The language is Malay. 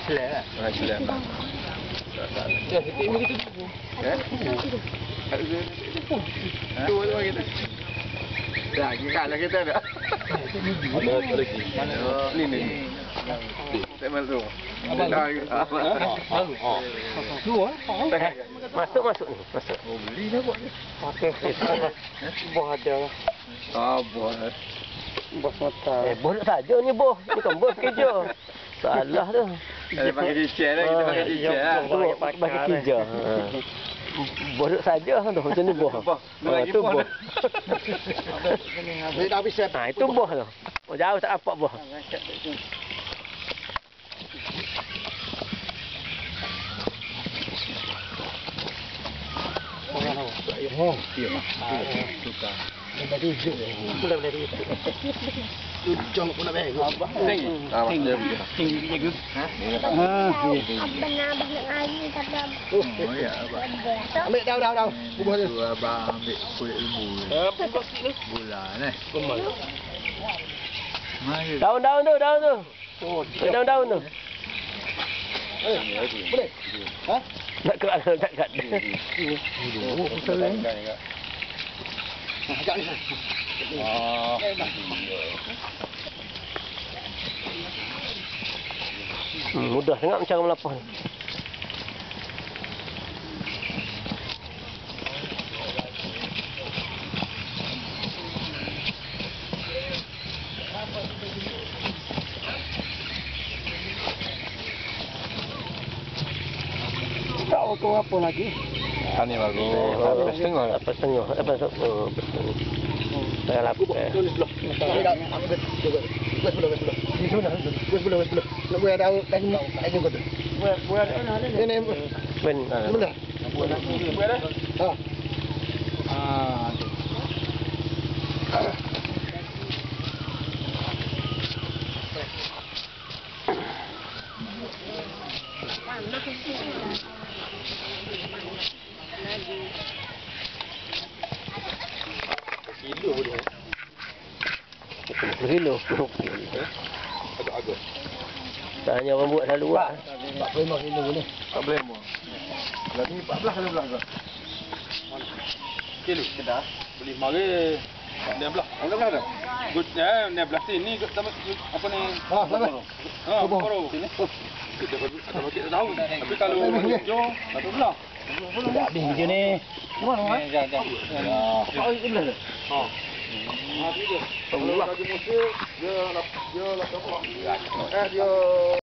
Islam. Orang Islam. Ya, sikit ni kita tu. Tu orang kita. Dah, kalah kita dah. Ada lagi. Ni. Saya malu. Masuk ni. Masuk. Oh, beli dah buat ni. Okey. Boh ada. Buat. Bos mata. Bos nak saja ni bos. Bukan bos kerja. Salah tu. Ada pakai cicit lah, kita pakai cicit lah. Pakai kerja. Bos saja tu macam ni bos. Tu bos. Dah habis saya. Ha, itu bos tu. Oh, jauh tak apa bos. Oh, Dia suka. dah hijau. Boleh dari itu. Tu jong pun nak baik. Dia begitu. Tinggi Ha? Abang nak ngaji kata. Oh, ya, abang. Ambil dah. Bubuh dia. Tu abang ambil kulit lembu. Bulan Mari. Daun tu. Oh, daun tu. Boleh? Ha? Nak kerak. Oh, pusing. Ajak ni. Mudah sangat cara melapah ni. Tahu tu apa lagi? Ni bagus. Apa setengah. Saya lapuk. Tulis dulu. Wes belum. Nak buat ada lagi kau tu. Buat ini. Ben. Mana? Ha. Kilo. Agak-agak. Tak hanya orang buat selalu buat. 45 kilo boleh. Tak boleh mu. Lagi 14 kali belah ke? Kilo kedah. Beli mari 16. 16 dah. Good ya, 16 sini sama apa ni? Sama. Baru sini. Kita pakai tahu. Tapi kalau hijau 18. Tak habis je ni. Mana? Jangan. Oh, ini belah. Ha. Kalau lagi musim dia 80. Dia